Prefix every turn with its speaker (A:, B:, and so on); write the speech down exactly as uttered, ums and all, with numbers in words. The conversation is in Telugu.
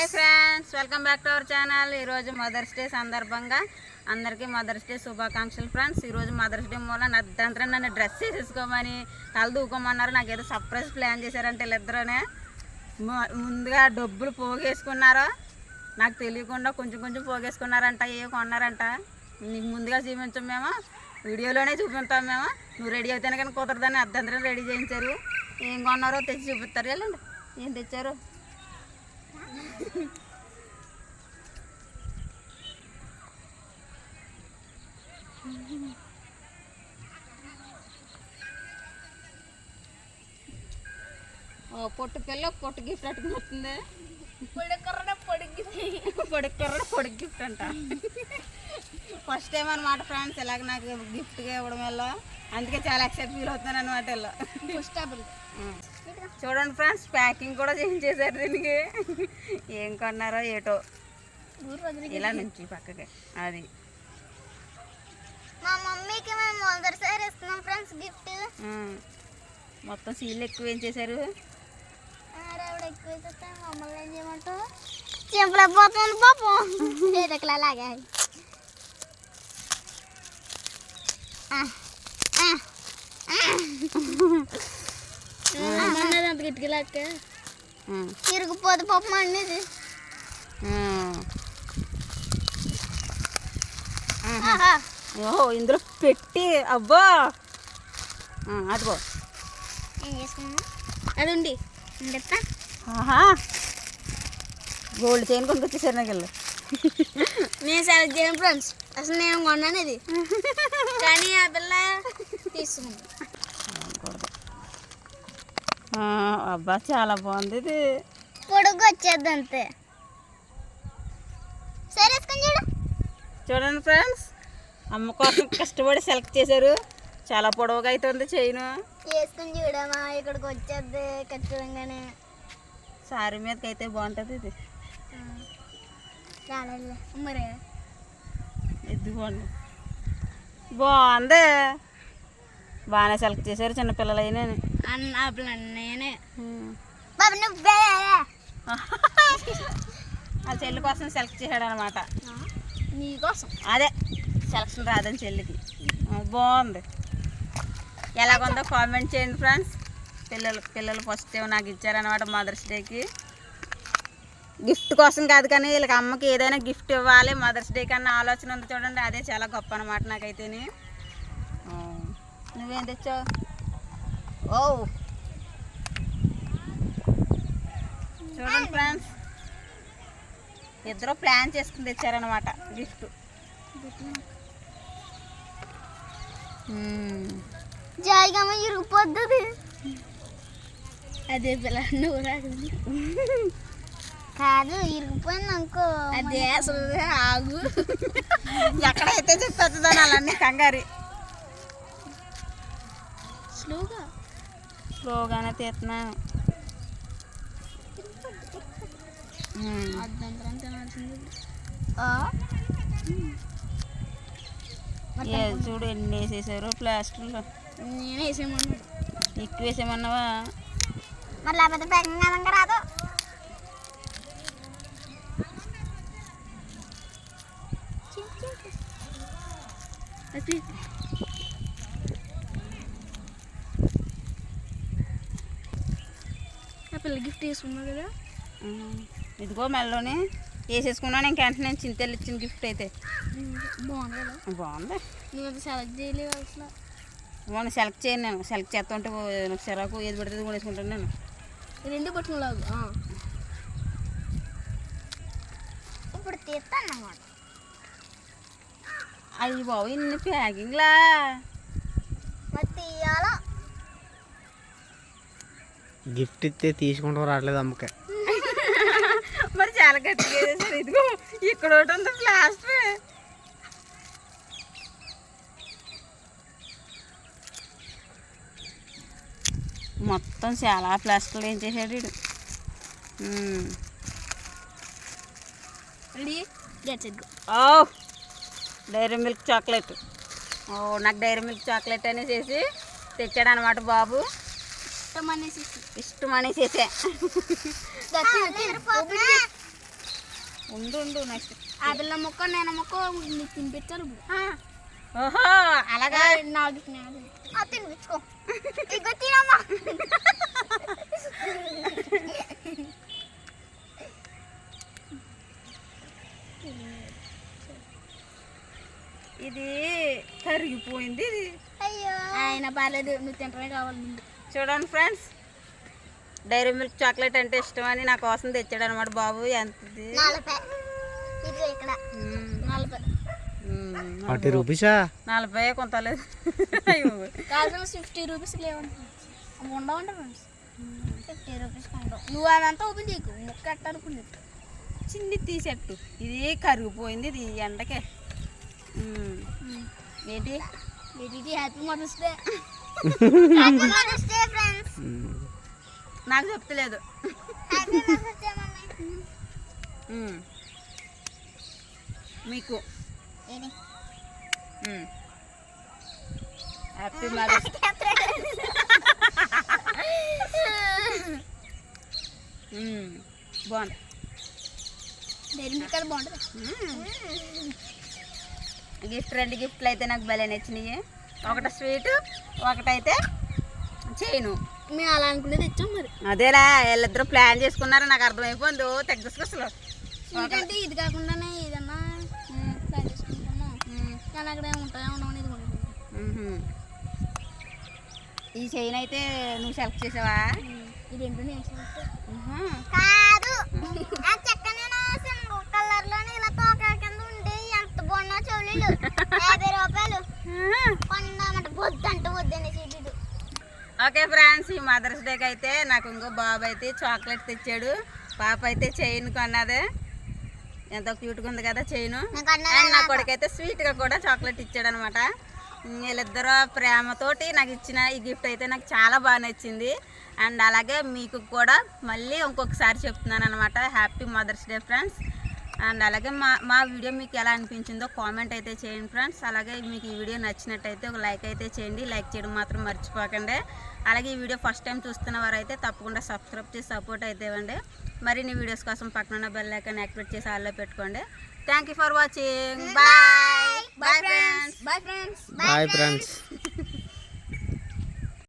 A: Hi friends, welcome back to our channel. ఈరోజు మదర్స్ డే సందర్భంగా అందరికీ మదర్స్ డే శుభాకాంక్షలు ఫ్రెండ్స్. ఈరోజు మదర్స్ డే మూల నద్దంతా నన్ను డ్రెస్ వేసేసుకోమని తల దూకోమన్నారు. నాకు ఏదో సర్ప్రైజ్ ప్లాన్ చేశారంటే వీళ్ళిద్దరూనే ముందుగా డబ్బులు పోగేసుకున్నారో నాకు తెలియకుండా కొంచెం కొంచెం పోగేసుకున్నారంట. ఏ కొన్నారంట నీకు ముందుగా చూపించాం మేము, వీడియోలోనే చూపిస్తాం మేము. నువ్వు రెడీ అవుతానే కానీ కుదరదని అర్ధంతరం రెడీ చేయించారు. ఏం కొన్నారో తెచ్చి చూపిస్తారు. వెళ్ళండి, ఏం తెచ్చారు. పొట్టు పిల్ల పొట్టు గిఫ్ట్ అట్టుకుని వస్తుంది. పొడికర్ర పొడి గిఫ్ట్ పొడికర్ర పొడి గిఫ్ట్ అంట. ఫస్ట్ టైం అనమాట ఫ్రెండ్స్ ఇలాగ నాకు గిఫ్ట్గా ఇవ్వడం వల్ల, అందుకే చాలా ఎక్సైట్ ఫీల్ అవుతున్నాను అనమాట. ఇలా చూడండి ఫ్రెండ్స్, ప్యాకింగ్ కూడా చేయించేసారు దీనికి. ఏం కొన్నారో ఏటో. ఇలా నుంచి పక్కకి అది
B: మా మమ్మీకి మేము మొదటిసారి ఇస్తున్నాం ఫ్రెండ్స్ గిఫ్ట్.
A: మొత్తం సీల్ ఎక్కువ ఏం చేశారు.
B: ఆవిడ ఎక్కువ వేసేస్తే మమ్మల్ని ఏం చేయమంటావు? చెంపలైపోతుంది పాపం. చేతకులా లాగా అంత గిట్టుకెళ్ళాక తిరిగిపోదు పాపం అనేది.
A: ఓహో, ఇందులో పెట్టి అబ్బో అదిగో
B: ఏం చేసుకున్నా అది ఉండి చెప్తా.
A: గోల్డ్ చైన్ కొనుక్కొచ్చేసారు నాకు వెళ్ళి.
B: నేను సెలెక్ట్ చేయను ఫ్రెండ్స్, అసలు నేను కొన్నాను ఇది, కానీ ఆ పిల్ల తీసుకుంది.
A: అబ్బా చాలా బాగుంది ఇది.
B: పొడుగు వచ్చేది అంతే. సరే చూడు.
A: చూడండి ఫ్రెండ్స్, అమ్మ కోసం కష్టపడి సెలెక్ట్ చేశారు. చాలా పొడవుగా అవుతుంది చైన్.
B: వేసుకుని చూడమా, ఇక్కడికి వచ్చేది ఖచ్చితంగానే.
A: సారీ మీదకి అయితే బాగుంటుంది ఇది.
B: మరి
A: ఎద్దుకోండి, బాగుంది. బాగానే సెలెక్ట్ చేశారు చిన్నపిల్లలు అయినా.
B: అన్న నేనే బాబు నువ్వే
A: ఆ చెల్లి కోసం సెలెక్ట్ చేశాడు అనమాట.
B: నీకోసం
A: అదే సెలక్షన్ రాదని చెల్లికి. బాగుంది. ఎలాగుందో కామెంట్ చేయండి ఫ్రెండ్స్. పిల్లలు పిల్లలు ఫస్ట్ టైం నాకు ఇచ్చారనమాట మదర్స్ డేకి. గిఫ్ట్ కోసం కాదు కానీ వీళ్ళకి అమ్మకి ఏదైనా గిఫ్ట్ ఇవ్వాలి మదర్స్ డే కన్నా ఆలోచన ఉంది చూడండి. అదే చాలా గొప్ప అనమాట నాకైతేనే. నువ్వేం తెచ్చావు? ఓ చూడండి ఫ్రెండ్స్, ఇద్దరు ప్లాన్ చేసుకుని తెచ్చారనమాట గిఫ్ట్.
B: జాయిగా ఇరిగిపోద్ది. అదే పిల్ల నువ్వు రాదు కాదు, ఇరిగిపోయింది అనుకో.
A: అదే అసలు ఆగు, ఎక్కడైతే చెప్పేస్తుందని అలానే కంగారి.
B: స్లోగా
A: స్లోగానే తీస్తున్నాను. చూడు ఎన్ని వేసేసారు ప్లాస్టర్లో.
B: నేనే వేసేయమన్నా.
A: ఎక్కువ వేసేమన్నావా?
B: మరి లేకపోతే ప్యాకింగ్ అనంగా రాదు. పిల్ల గిఫ్ట్ తీసుకున్నా కదా.
A: ఇదిగో మెల్లోనే వేసేసుకున్నాను. ఇంక వెంటనే చింతలు ఇచ్చిన గిఫ్ట్ అయితే
B: బాగుంది కదా.
A: బాగుంది.
B: నువ్వు సెలెక్ట్ చేయలేవు అసలు.
A: మొన్న సెలెక్ట్ చేయను నేను. సెలెక్ట్ చేస్తుంటే సిరాకు ఏది పడుతుంది కూడా వేసుకుంటాను నేను.
B: రెండు పట్టుకులాగు ఇప్పుడు తీస్తాను అన్నమాట.
A: అయ్యి బాబు ఇన్ని ప్యాకింగ్లా
B: మరి తీయాలా?
C: గిఫ్ట్ ఇస్తే తీసుకుంటాం రావట్లేదు అమ్మకే.
A: మరి చాలా గట్టిగా వేసేసారు. ఇదిగో ఇక్కడ ఒకటి ఉంది ప్లాస్టర్. మొత్తం చాలా ప్లాస్టర్లు ఏం చేసాడు వీడు. ఓ డైరీ మిల్క్ చాక్లెట్. ఓ నాకు డైరీ మిల్క్ చాక్లెట్ అనేసి తెచ్చాడు అనమాట బాబు.
B: ఇష్టం అనేసి
A: ఇష్టం అనేసేసే ఉండు ఉండు నెక్స్ట్.
B: ఆ పిల్ల మొక్క నేను మొక్క నీకు తినిపించాలి ఇప్పుడు.
A: ఓహో అలాగా.
B: నాకు తినిపించుకో ఇగో తినమ్మా.
A: ఇది కరిగిపోయింది ఇది.
B: అయ్యో ఆయన పర్లేదు నువ్వు తింటమే కావాలి ముందు.
A: చూడండి ఫ్రెండ్స్, డైరీ మిల్క్ చాక్లెట్ అంటే ఇష్టం అని నా కోసం తెచ్చాడు అనమాట బాబు. ఎంతది?
B: నలభై ఇది ఇక్కడ నలభై
C: ఫార్టీ రూపీసా?
A: నలభై కొంతలేదు.
B: కాదు ఫిఫ్టీ రూపీస్ లేవండి ఉండవండి ఫ్రెండ్స్. ఫిఫ్టీ రూపీస్ ఉండవు. నువ్వు అదంతా ఓపెన్ చేయకు ముక్క అట్టనుకుంది.
A: చిన్ని తీసేట్టు. ఇది కరిగిపోయింది ఇది ఎండకే. ఉమ్. ఏంటి
B: ఇది happy mother's day. Happy mother's day friends.
A: నాకు చెప్తలేదు.
B: Happy mother's day mummy.
A: ఉమ్. మీకు
B: ఏది
A: ఉమ్. Happy mother's. ఉమ్. బాగుంది.
B: డైరీ మిల్క్ అది బాగుంటుంది.
A: గిఫ్ట్ రెండు గిఫ్ట్లు అయితే నాకు భలే నచ్చినాయి. ఒకటి స్వీట్, ఒకటైతే చైను.
B: మేము అలా అనుకునేది ఇచ్చాం మరి.
A: అదేలా వీళ్ళిద్దరూ ప్లాన్ చేసుకున్నారు. నాకు అర్థమైపోయింది. తగ్గసుకొసలు
B: స్వీట్ అంటే ఇది కాకుండానే ఏదన్నా ప్లాన్ చేసుకుంటాము. కానీ అక్కడ ఉంటాయో ఉండవు ఇది కూడా.
A: ఈ చైన్ అయితే నువ్వు సెలెక్ట్ చేసావా?
B: ఈ రెండు నేను
A: ఉహు.
B: కాదు చక్కని కలర్ లోని ఇలా తోక కింద ఉండి ఎంత బాగున్నా చెవులు యాభై రూపాయలు కొన్నామంట వద్దు అంటే వద్దని చెడు.
A: ఓకే ఫ్రెండ్స్, ఈ మదర్స్ డేకి అయితే నాకు ఇంకో బాబు అయితే చాక్లెట్ తెచ్చాడు. పాప అయితే చైన్ కొన్నది. ఎంతో క్యూట్గా ఉంది కదా చైన్. అండ్ నా కొడుకైతే స్వీట్గా కూడా చాక్లెట్ ఇచ్చాడు అనమాట. వీళ్ళిద్దరూ ప్రేమతోటి నాకు ఇచ్చిన ఈ గిఫ్ట్ అయితే నాకు చాలా బాగా నచ్చింది. అండ్ అలాగే మీకు కూడా మళ్ళీ ఇంకొకసారి చెప్తున్నాను అనమాట, happy mother's day friends. And అలాగే మా మా వీడియో మీకు ఎలా అనిపించిందో కామెంట్ అయితే చేయండి ఫ్రెండ్స్. అలాగే మీకు ఈ వీడియో నచ్చినట్టయితే ఒక లైక్ అయితే చేయండి. లైక్ చేయడం మాత్రం మర్చిపోకండి. అలాగే ఈ వీడియో ఫస్ట్ టైం చూస్తున్న వారైతే తప్పకుండా సబ్స్క్రైబ్ చేసి సపోర్ట్ అయితే ఇవ్వండి. మరిన్ని వీడియోస్ కోసం పక్కన బెల్ ఐకాన్ యాక్టివేట్ చేసి ఆల్లో పెట్టుకోండి. Thank you for watching. Bye bye friends.
B: Bye friends.
C: Bye friends.